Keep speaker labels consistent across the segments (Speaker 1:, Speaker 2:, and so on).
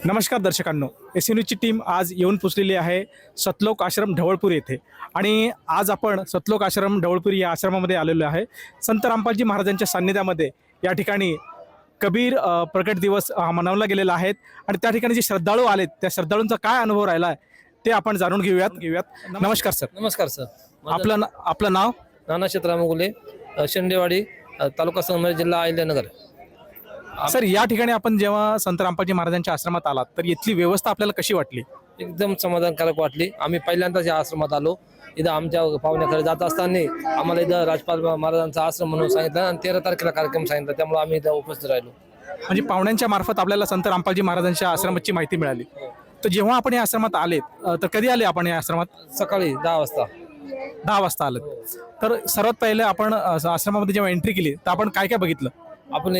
Speaker 1: नमस्कार दर्शकांनो, न्यूजची टीम आज येऊन पोचलेली आहे सतलोक आश्रम ढवळपूर येथे आणि आज आपण सतलोक आश्रम ढवळपूर या आश्रमामध्ये आलेलो आहे। संत रामपालजी महाराजांच्या सान्निध्यामध्ये या ठिकाणी कबीर प्रकट दिवस मनवला गेलेला आहे आणि त्या ठिकाणी जे श्रद्धाळू आलेत त्या श्रद्धाळूंचा काय अनुभव राहिला आहे ते आपण जाणून घेऊयात। नमस्कार सर।
Speaker 2: नमस्कार सर।
Speaker 1: आपलं नाव?
Speaker 2: नाना क्षेत्राम गुले, शेंडेवाडी, तालुका संगमेश्वर, जिल्हा अहिल्यानगर।
Speaker 1: सर, या ठिकाणी आपण जेव्हा संत रामपालजी महाराजांच्या आश्रमात आलात तर इथली व्यवस्था आपल्याला कशी वाटली?
Speaker 2: एकदम समाधानकारक वाटली। आम्ही पहिल्यांदाच या आश्रमात आलो। इथं आमच्या पाहुण्याकडे जात असताना आम्हाला इथं राजपाल महाराजांचा आश्रम म्हणून सांगितलं आणि 13 तारखेला कार्यक्रम सांगितला, त्यामुळे आम्ही इथं उपस्थित राहिलो।
Speaker 1: म्हणजे पाहुण्यांच्या मार्फत आपल्याला संत रामपालजी महाराजांच्या आश्रमाची माहिती मिळाली। तर जेव्हा आपण या आश्रमात आलेत तर कधी आले आपण या आश्रमात?
Speaker 2: सकाळी 10 वाजता।
Speaker 1: 10 वाजता आलेत। तर सर्वात पहिले आपण आश्रमामध्ये जेव्हा एंट्री केली तर आपण काय काय बघितलं?
Speaker 2: आपण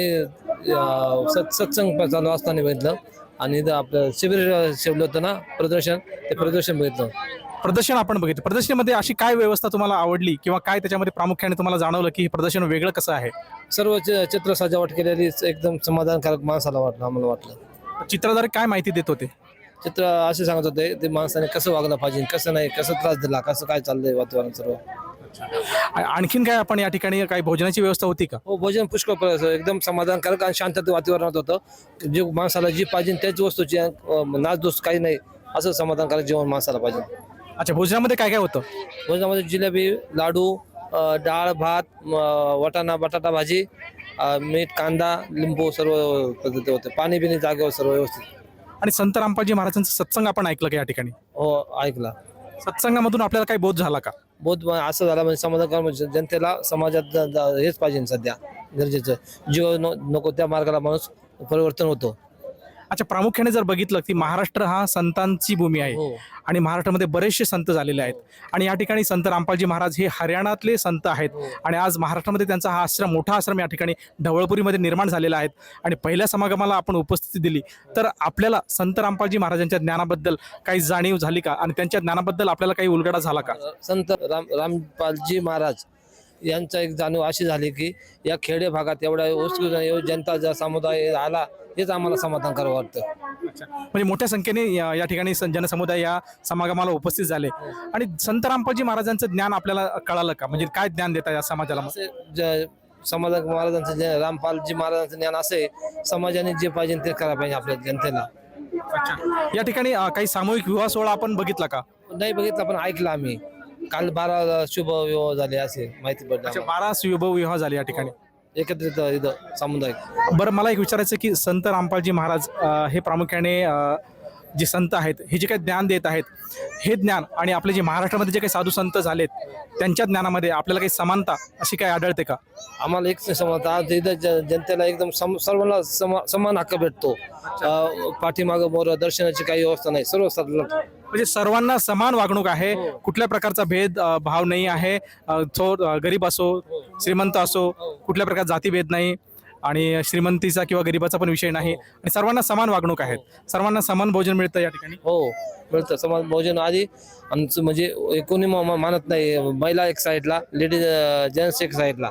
Speaker 2: सत्संग चालू असताना बघितलं आणि इथं आपलं शिबिर ठेवलं होतं ना, प्रदर्शन, ते प्रदर्शन बघितलं।
Speaker 1: प्रदर्शन आपण बघितलं। प्रदर्शनामध्ये अशी काय व्यवस्था तुम्हाला आवडली किंवा काय त्याच्यामध्ये प्रामुख्याने तुम्हाला जाणवलं की हे प्रदर्शन वेगळं कसं आहे?
Speaker 2: सर्व चित्र सजावट केलेली एकदम समाधानकारक माणसाला वाटलं, आम्हाला वाटलं।
Speaker 1: चित्रधारे काय माहिती देत होते?
Speaker 2: चित्र असे सांगत होते ते माणसाने कसं वागलं पाहिजे, कसं नाही, कसं त्रास दिला, कसं काय चाललंय वातावरण सर्व।
Speaker 1: आणखीन काय आपण या ठिकाणी काही भोजनाची व्यवस्था होती का?
Speaker 2: हो, भोजन पुष्कळ एकदम समाधानकारक आणि शांतता वातावरणात होतं। जे माणसाला जी पाहिजे त्याच वस्तूची नाचदोस काही नाही, असं समाधानकारक जेवण माणसाला पाहिजे।
Speaker 1: अच्छा, भोजनामध्ये काय काय होतं?
Speaker 2: भोजनामध्ये जिलेबी, लाडू, डाळ, भात, वाटाणा, बटाटा भाजी, मीठ, कांदा, लिंबू सर्व पद्धती होते। पाणी बिणी जागेवर सर्व व्यवस्थित।
Speaker 1: आणि संत रामपालजी महाराजांचा सत्संग आपण ऐकलं का या ठिकाणी?
Speaker 2: हो, ऐकला।
Speaker 1: सत्संगामधून आपल्याला काही बोध झाला का?
Speaker 2: बहुत असं झालं म्हणजे समाधानकार, म्हणजे जनतेला समाजात हेच पाहिजे सध्या गरजेचं। जीव नको त्या मार्गाला माणूस परिवर्तन होतो।
Speaker 1: अच्छा, प्रामुख्याने जर बघितलं की महाराष्ट्र हा संतांची भूमी आहे
Speaker 2: हो।
Speaker 1: आणि महाराष्ट्रामध्ये बरेचसे संत झालेले आहेत आणि या ठिकाणी संत रामपालजी महाराज हे हरियाणातले संत आहेत आणि आज महाराष्ट्रामध्ये त्यांचा हा आश्रम, मोठा आश्रम या ठिकाणी ढवळपुरीमध्ये निर्माण झालेला आहे आणि पहिल्या समागमाला आपण उपस्थिती दिली तर आपल्याला संत रामपालजी महाराजांच्या ज्ञानाबद्दल काही जाणीव झाली का आणि त्यांच्या ज्ञानाबद्दल आपल्याला काही उलगडा झाला का?
Speaker 2: संत रामपालजी महाराज यांचा एक जाणीव अशी झाली की या खेडे भागात एवढा उत्स्फूर्त जनता जर समुदाय आला हेच आम्हाला समाधानकारक वाटतं।
Speaker 1: म्हणजे मोठ्या संख्येने या ठिकाणी जनसमुदाय या समागमाला उपस्थित झाले आणि संत रामपालजी महाराजांचं ज्ञान आपल्याला कळालं का? म्हणजे काय ज्ञान देता या समाजाला?
Speaker 2: समाधान महाराजांचं जे रामपालजी महाराजांचं ज्ञान असं आहे, समाजाने जे पाहिजे ते करायला पाहिजे आपल्या जनतेला।
Speaker 1: या ठिकाणी काही सामूहिक विवाह सोहळा आपण बघितला का?
Speaker 2: नाही बघितला, पण ऐकलं आम्ही। काल 12 शुभ विवाह झाले असे माहिती पडली।
Speaker 1: 12 शुभ विवाह झाले या ठिकाणी
Speaker 2: एकत्रित इथं समुदाय।
Speaker 1: बरं, मला एक विचारायचं की संत रामपालजी महाराज हे प्रामुख्याने जे संत आहेत हे जे काही ज्ञान देत आहेत हे ज्ञान आणि आपले जे महाराष्ट्रामध्ये जे काही साधू संत झालेत त्यांच्या ज्ञानामध्ये आपल्याला काही समानता अशी काय आढळते का?
Speaker 2: आम्हाला एक समजता इथं जनतेला एकदम सर्वांना समान हक्क भेटतो। पाठीमागं मोर दर्शनाची काही व्यवस्था नाही, सर्व
Speaker 1: म्हणजे सर्वांना समान वागणूक आहे। कुठल्या प्रकारचा भेद भाव नाही आहे। गरीब असो, श्रीमंत असो, कुठल्या प्रकारचा जातीभेद नाही आणि श्रीमंतीचा किंवा गरीबाचा पण विषय नाही आणि सर्वांना समान वागणूक आहे। सर्वांना समान भोजन मिळतं या ठिकाणी?
Speaker 2: हो, मिळतं समान भोजन। आधी आमचं म्हणजे कोणी मानत नाही, महिला एक साईडला, लेडीज जेंट्स एक साईडला।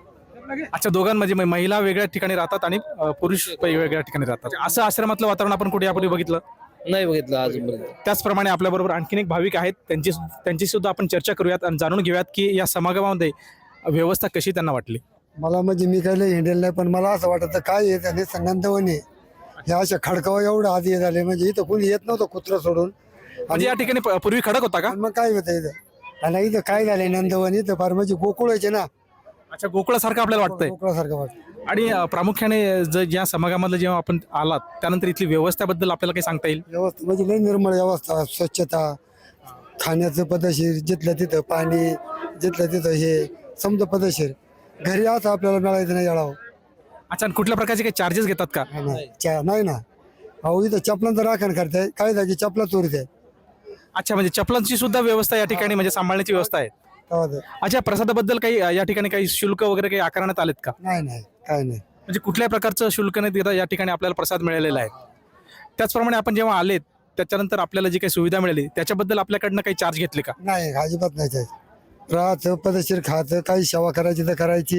Speaker 1: अच्छा, दोघांमध्ये महिला वेगळ्या ठिकाणी राहतात आणि पुरुष वेगळ्या ठिकाणी राहतात। असं आश्रमातलं वातावरण आपण कुठे यापूर्वी बघितलं?
Speaker 2: नाही बघितलं अजून।
Speaker 1: त्याचप्रमाणे आपल्याबरोबर आणखीन एक भाविक आहेत, त्यांची सुद्धा आपण चर्चा करूयात आणि जाणून घेऊयात की या समागमामध्ये व्यवस्था कशी त्यांना वाटली।
Speaker 3: मला म्हणजे मी काही हिंडेल नाही, पण मला असं वाटतं काय आहे त्याने संगंतवणी ह्या अशा खडकावा एवढं आधी झाले, म्हणजे इथं कोणी येत नव्हतं कुत्र सोडून।
Speaker 1: म्हणजे या ठिकाणी पूर्वी खडक होता का?
Speaker 3: आणि मग काय होतं इथं, आणि इथं काय झालंय नंदवन, इथं फार म्हणजे गोकुळाचे ना।
Speaker 1: अच्छा, गोकुळासारखं आपल्याला वाटतंय?
Speaker 3: गोकुळासारखं वाटतं।
Speaker 1: आणि प्रामुख्याने ज्या समागमाला जेव्हा आपण आलात त्यानंतर इथली व्यवस्थेबद्दल आपल्याला काही सांगता येईल?
Speaker 3: व्यवस्था म्हणजे लई निर्मळ व्यवस्था, स्वच्छता, खाण्याचं पद्धतशीर, जिथलं तिथं पाणी, जिथलं तिथं हे समजा पद्धतशीर। घरी असं आपल्याला मिळायचं नाही याळावं।
Speaker 1: अच्छा, आणि कुठल्या प्रकारचे काही चार्जेस घेतात का?
Speaker 3: नाही ना, अहो इथं चपलांचं राखण करताय, काय जागी चपला चोरीत आहे।
Speaker 1: अच्छा, म्हणजे चपलांची सुद्धा व्यवस्था या ठिकाणी म्हणजे सांभाळण्याची व्यवस्था आहे? अच्छा, प्रसादाबद्दल काही या ठिकाणी काही शुल्क वगैरे काही आकारण्यात आलेत का?
Speaker 3: नाही, काय नाही।
Speaker 1: म्हणजे कुठल्या प्रकारचं शुल्क नाही देता या ठिकाणी आपल्याला प्रसाद मिळालेला आहे। त्याचप्रमाणे आपण जेव्हा आलेत त्याच्यानंतर आपल्याला जी काही सुविधा मिळाली त्याच्याबद्दल आपल्याकडनं काही चार्ज घेतले का?
Speaker 3: नाही, अजिबात नाही. राहायचं पद्धतशीर, खायचं, काही सेवा करायची तर करायची,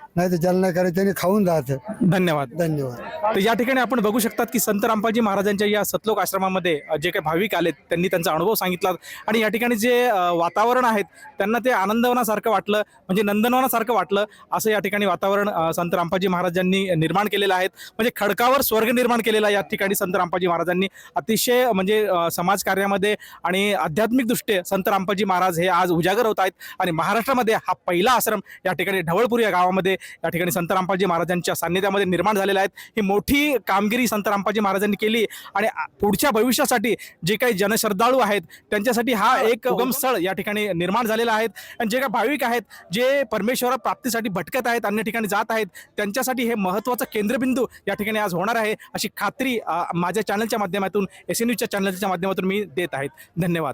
Speaker 3: नाही तर ज्याला नाही करायचं त्यांनी खाऊन जायचं.
Speaker 1: धन्यवाद.
Speaker 3: धन्यवाद.
Speaker 1: तर या ठिकाणी आपण बघू शकतात की संत रामपालजी महाराजांच्या या सतलोक आश्रमामध्ये जे काही भाविक आलेत त्यांनी त्यांचा अनुभव सांगितला आणि या ठिकाणी जे वातावरण आहेत त्यांना ते आनंदवनासारखं वाटलं, म्हणजे नंदनवनासारखं वाटलं असं या ठिकाणी वातावरण संत रामपालजी महाराजांनी निर्माण केलेलं आहे. म्हणजे खडकावर स्वर्ग निर्माण केलेला या ठिकाणी संत रामपालजी महाराजांनी अतिशय म्हणजे समाजकार्यामध्ये आणि आध्यात्मिक दृष्ट्या संत रामपालजी महाराज हे आज उजागर होत आहेत आणि महाराष्ट्रामध्ये हा पहिला आश्रम या ठिकाणी ढवळपूर या गावामध्ये या ठिकाणी संत रामपालजी महाराजांच्या सान्निध्यामध्ये निर्माण झालेला आहे. ही मोठी कामगिरी संत रामपालजी महाराजांनी केली आणि पुढच्या भविष्यासाठी जे काही जनश्रद्धाळू आहेत त्यांच्यासाठी हा एक उगम स्थळ या ठिकाणी निर्माण झालेला आहे. आणि जे काही भाविक आहेत जे परमेश्वर प्राप्तीसाठी भटकत आहेत, अन्य ठिकाणी जात आहेत, त्यांच्यासाठी हे महत्त्वाचं केंद्रबिंदू या ठिकाणी आज होणार आहे अशी खात्री माझ्या चॅनलच्या माध्यमातून, SN न्यूजच्या चॅनलच्या माध्यमातून मी देत आहेत. धन्यवाद.